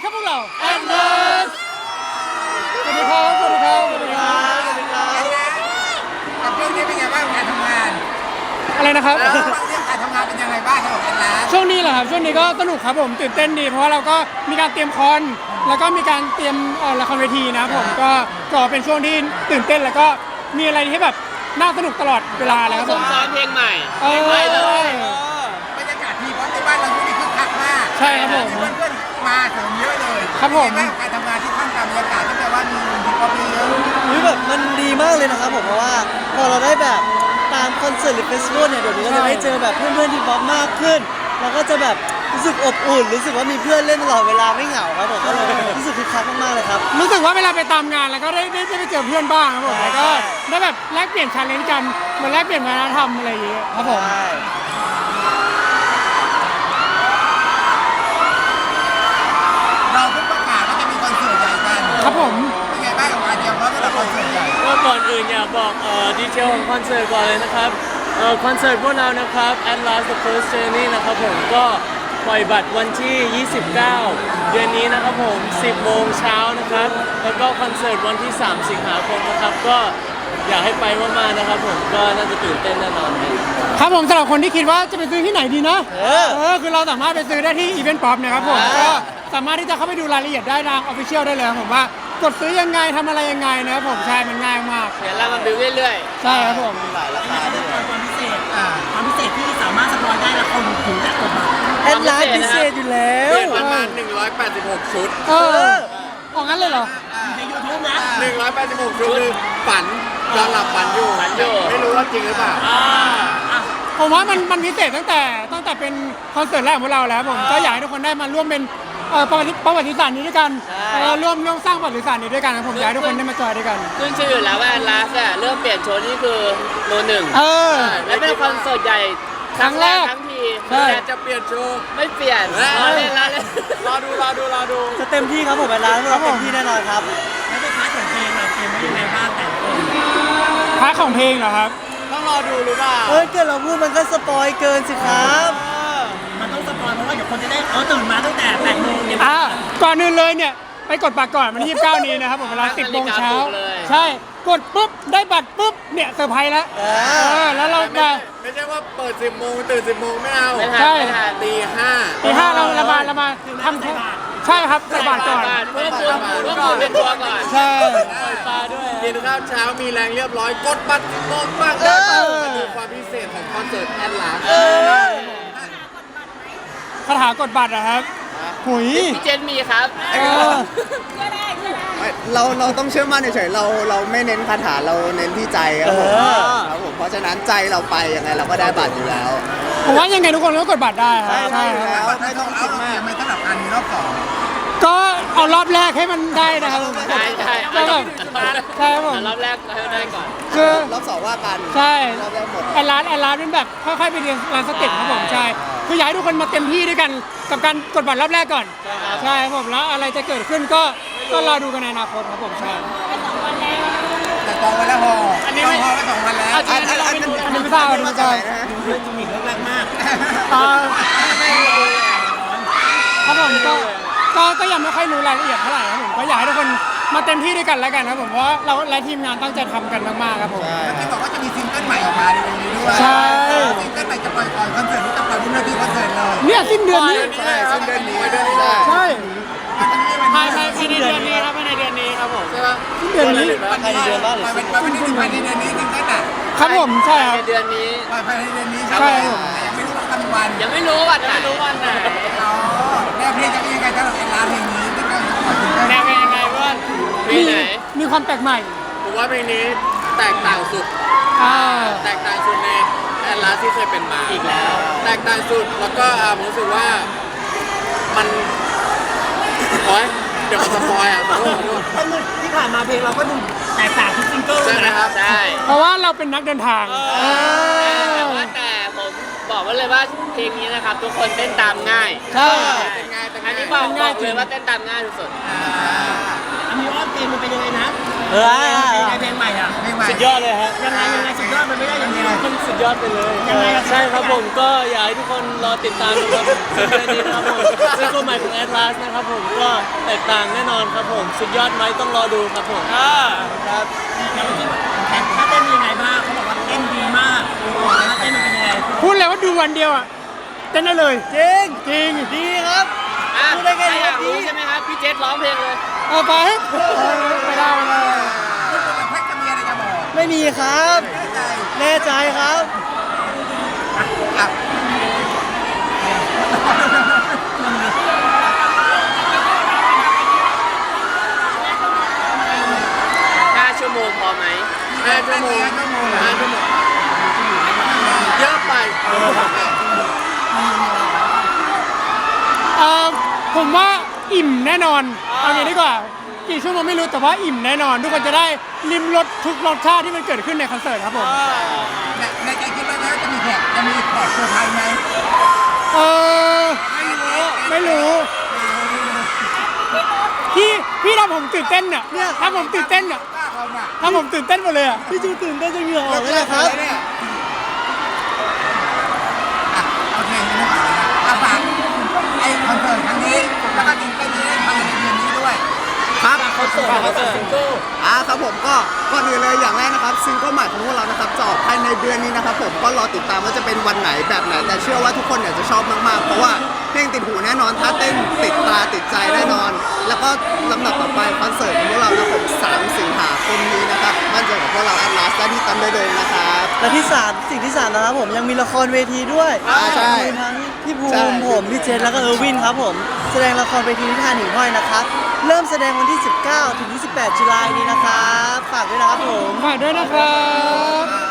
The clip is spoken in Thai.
ครับพวกเราแอนเดอร์สวัสดีครับสวัสดีครับสวัสดีครับสวัสดีครับกับช่วงนี้เป็นไงบ้างการทำงานอะไรนะครับเรื่องการทำงานเป็นยังไงบ้างสำหรับแอนนาช่วงนี้เหรอครับช่วงนี้ก็สนุกครับผมตื่นเต้นดีเพราะว่าเราก็มีการเตรียมคอนแล้วก็มีการเตรียมละครเวทีนะครับผมก็เป็นช่วงที่ตื่นเต้นแล้วก็มีอะไรที่แบบน่าสนุกตลอดเวลาเลยครับผมซ้อมเพลงใหม่เลยบรรยากาศทีเพราะในบ้านเราช่วงนี้คึกคักมากใช่ครับผมเพื่อนๆมาเสริมเยอะเลยครับผมเป็นไงางการทำงานที่ท่ามกลางบรรยากาศที่แปลว่ามีดีกว่าเยอะนี่แบบมันดีมากเลยนะครับผมเพราะว่าพอเราได้แบบตามคอนเสิร์ตหรือเฟสติวัลเนี่ยเดี๋ยวนี้เราจะได้เจอแบบเพื่อนๆที่บ๊อบมากขึ้นแล้วก็จะแบบรู้สึกอบอุ่นรู้สึกว่ามีเพื่อนเล่นตลอดเวลาไม่เหงาครับผมก็เลยรู้สึกคึกคักมากๆเลยครับรู้สึกว่าเวลาไปตามงานแล้วก็ได้ไปเจอเพื่อนบ้างครับผมแล้วก็ได้แบบแลกเปลี่ยนชาเลนจ์กันเหมือนแลกเปลี่ยนวัฒนธรรมอะไรอย่างเงี้ยครับผมเราเพิ่งประกาศว่าจะมีคอนเสิร์ตใหญ่กันครับผมเป็นไงบ้างกับการเตรียมพร้อมสำหรับคอนเสิร์ตใหญ่ก็ก่อนอื่นอยากบอกดีเทลของคอนเสิร์ตก่อนเลยนะครับคอนเสิร์ตพวกเรานะครับ At Last the First Journey นะครับผมก็ปล่อยบัตรวันที่ 29 เดือนนี้นะครับผม 10 โมงเช้านะครับแล้วก็คอนเสิร์ตวันที่ 3 สิงหาคมนะครับก็อยากให้ไปมากๆนะครับผมก็น่าจะตื่นเต้นแน่นอนครับครับผมสำหรับคนที่คิดว่าจะไปซื้อที่ไหนดีนะคือเราสามารถไปซื้อได้ที่อีเวนต์ป๊อปนะครับผมก็สามารถที่จะเข้าไปดูรายละเอียดได้ทางออฟฟิเชียลได้เลยครับผมว่ากดซื้อยังไงทำอะไรยังไงนะครับผมใช่มันง่ายมากเดี๋ยวเรามาบิวเรื่อยใช่ครับผมความพิเศษที่สามารถสปอยได้แล้วคนถึงจะกดบัตรแอดไลน์พิเศษอยู่แล้ๆวเปลี่ยนประมาณ186 ชุดออกงั้นเลยเหรอใน YouTube นะ 186 ชุดคือฝันนอนหลับฝันอยู่ไม่รู้ว่าจริงหรือเปล่าผมว่ามันพิเศษตั้งแต่เป็นคอนเสิร์ตแรกของพวกเราแล้วผมก็อยากให้ทุกคนได้มาร่วมเป็นประวัติศาสตร์นี้ด้วยกันร่วมสร้างประวัติศาสตร์นี้ด้วยกันครับผมอยากให้ทุกคนได้มาจอยด้วยกันขึ้นชื่ออยู่แล้วว่าแอนลาสอะเริ่มเปลี่ยนโชว์นี่คือโนหนึ่ง และเป็นคอนเสิร์ตใหญ่ครั้งแรกทั้งทีใช่แต่จะเปลี่ยนโชว์ไม่เปลี่ยนรอเล่นรอดูจะเต็มที่ครับผมแอดไลน์เราเต็มที่แน่นอนครับแล้วในพาร์ทของเพลงเราเตรียมไว้ยังไงบ้างแต่ละคนพาร์ทของเพลงเหรอครับต้องรอดูหรือเปล่าเกิดเราพูดมันก็สปอยเกินสิครับมันต้องสปอยเพราะว่าเดี๋ยวคนจะได้ตื่นมาตั้งแต่8 โมงเนี่ยก่อนอื่นเลยเนี่ยไปกดบัตรก่อนวันที่29 นี้นะครับผมเวลา 10 โมงเช้าใช่กดปุ๊บได้บัตรปุ๊บเนี่ยเซอร์ไพรส์แล้วแล้วเรามาไม่ใช่ว่าเปิด 10 โมงตื่น 10 โมงไม่เอาใช่ตีตี 5เรามาทำใช่ครับใส่บาตรก่อนเพื่อคุณเป็นตัวก่อนใช่ตาด้วยกินข้าวเช้ามีแรงเรียบร้อยกดบัตร10 โมงบ้างได้มันคือความพิเศษของคอนเสิร์ตแอนลาสคาถากดบัตรอะครับหุยพี่เจนมีครับเราต้องเชื่อมั่นเฉยๆเราไม่เน้นคาถาเราเน้นที่ใจครับผมครับผมเพราะฉะนั้นใจเราไปยังไงเราก็ได้บัตรอยู่แล้วผมว่ายังไงทุกคนก็กดบัตรได้ครับใช่ครับแล้วไม่ต้องคิดมากไม่สำหรับการมีรอบสองก็เอารอบแรกให้มันได้นะครับใช่ก็แบบใช่ครับผมรอบแรกให้ได้ก่อนคือรอบสองว่ากันใช่รอบแรกหมดแอนลาสเป็นแบบค่อยๆไปเรียนร้านสเต็ปครับผมใช่คืออยากให้ทุกคนมาเต็มที่ด้วยกันกับการกดบัตรรอบแรกก่อนใช่ครับผมแล้วอะไรจะเกิดขึ้นก็รอดูกันในอนาคตครับผมใช่แต่จองไว้แล้วพออันนี้ไม่พอไว้2 วันแล้วอันนี้ไม่ทราบอันนี้ไม่ทราบเรื่องจิมิกแรกมากครับผมก็ยังไม่ค่อยรู้รายละเอียดเท่าไหร่ครับผมก็อยากให้ทุกคนมาเต็มที่ด้วยกันแล้วกันครับผมเพราะเราและทีมงานตั้งใจทำกันมากๆครับผมที่บอกว่าจะมีซิงเกิลใหม่ออกมาในวันนี้ด้วยใช่ซิงเกิลใหม่จะปล่อยก่อนคอนเสิร์ตนี้จะปล่อยบนเวทีคอนเสิร์ตเลยเนี่ยสิ้นเดือนนี้ใช่ซึ่งเดือนนี้ได้ใช่ภายในเดือนนี้ครับภายในเดือนนี้ครับผมใช่ปะสิ้นเดือนนี้ใครเดือนบ้างหรือปล่อยเป็นภายในเดือนนี้ซิงเกิลอ่ะครับผมใช่ครับในเดือนนี้ปล่อยภายในเดือนนี้ใช่ครับยังไม่รู้ว่าวันยังไม่รู้วันไหนอ๋อแนวเพลงจะเป็นยังไงสำหรับแอนลาเพลงนี้ที่กำลังจะปล่อยซิงเกิลแนวเป็นยังไงเพื่อนเพลงไหนมีความแปลกใหม่ผมว่าเพลงนี้แตกต่างสุด แตกต่างสุดในแอนลาสที่เคยเป็นมาอีกแล้ว แตกต่างสุดแล้วก็ผมรู้สึกว่ามันโอ๊ยเดี๋ยวมันสปอยอ่ะขอโทษที่ผ่านมาเพลงเราก็ดูแตกต่างทุกซิงเกิลใช่ไหมครับใช่เพราะว่าเราเป็นนักเดินทางแต่ผมบอกไว้เลยว่าเพลงนี้นะครับทุกคนเต้นตามง่ายใช่อันนี้บอกเลยว่าเต้นตามง่ายสุดอันนี้ว่าเพลงมันเป็นยังไงนะเในเพลงใหม่อ่ะเพลงใหม่สุดยอดเลยฮะยังไงสุดยอดมันไม่ได้อย่างเดียวมันสุดยอดไปเลยยังไงอะใช่ครับผมก็อยากให้ทุกคนรอติดตามนะครับซิงเกิลนี้นะครับผมซิงเกิลใหม่ของ Atlas นะครับผมก็แตกต่างแน่นอนครับผมสุดยอดไหมต้องรอดูครับผมครับแล้วเมื่อกี้ถ้าเต้นยังไงบ้างเขาบอกว่าเต้นดีมากถ้าเต้นมันเป็นยังไงพูดเลยว่าดูวันเดียวอ่ะเต้นได้เลยจริงจริงดีครับ พูดได้แค่นี้ครับดีใช่ไหมครับพี่เจษร้องเพลงเลยเอาไปไม่ได้ไม่ได้แพ็กจะมีอะไรจะบอกไม่มีครับใจแน่ใจครับอ่ะ 5 ชั่วโมงพอไหม5 ชั่วโมง5 ชั่วโมงเยอะไปผมว่าอิ่มแน่นอนเอางี้ดีกว่ากี่ชั่วโมงไม่รู้แต่ว่าอิ่มแน่นอน ทุกคนจะได้ลิ้มรสทุกรสชาติที่มันเกิดขึ้นในคอนเสิร์ตครับผมในใจคิดว่าจะมีแขกจะมีแขกเซอร์ไพรส์ไหมเออไม่รู้พี่ทำผมตื่นเต้นอ่ะทำผมตื่นเต้นอ่ะกล้าเขาน่ะทำผมตื่นเต้นหมดเลยอ่ะพี่จูตื่นเต้นจนเหงื่อออกเลยนะครับเนี่ยอ่ะโอเคไม่ต้องอ่ะฝากไอ้คอนเสิร์ตครั้งนี้แล้วก็จริงๆได้ภายในเดือนนี้ด้วยครับเขาเสิร์ฟซิงเกิลครับผมก็ก่อนอื่นเลยอย่างแรกนะครับซิงเกิลใหม่ของพวกเรานะครับจะออกภายในเดือนนี้นะครับผมก็รอติดตามว่าจะเป็นวันไหนแบบไหนแต่เชื่อว่าทุกคนเนี่ยจะชอบมากๆเพราะว่าเพลงติดหูแน่นอนถ้าเต้นติดตาติดใจแน่นอน แล้วก็ลำดับต่อไปคอนเสิร์ตของพวกเรานะครับผม3 สิงหาคมนี้นะครับมั่นใจกับพวกเราแอดลาสได้ที่ตั้มได้เลยนะครับและที่3สิ่งที่3นะครับผมยังมีละครเวทีด้วยใช่มีทั้งพี่ภูใช่มิผมพี่เจษแล้วก็เออร์วินครับผมแสดงละครเวทีที่ทานหิ่งห้อยนะครับเริ่มแสดงวันที่ 19 ถึง 28 ตุลาคมนี้นะครับฝากด้วยนะครับผมฝากด้วยนะครับ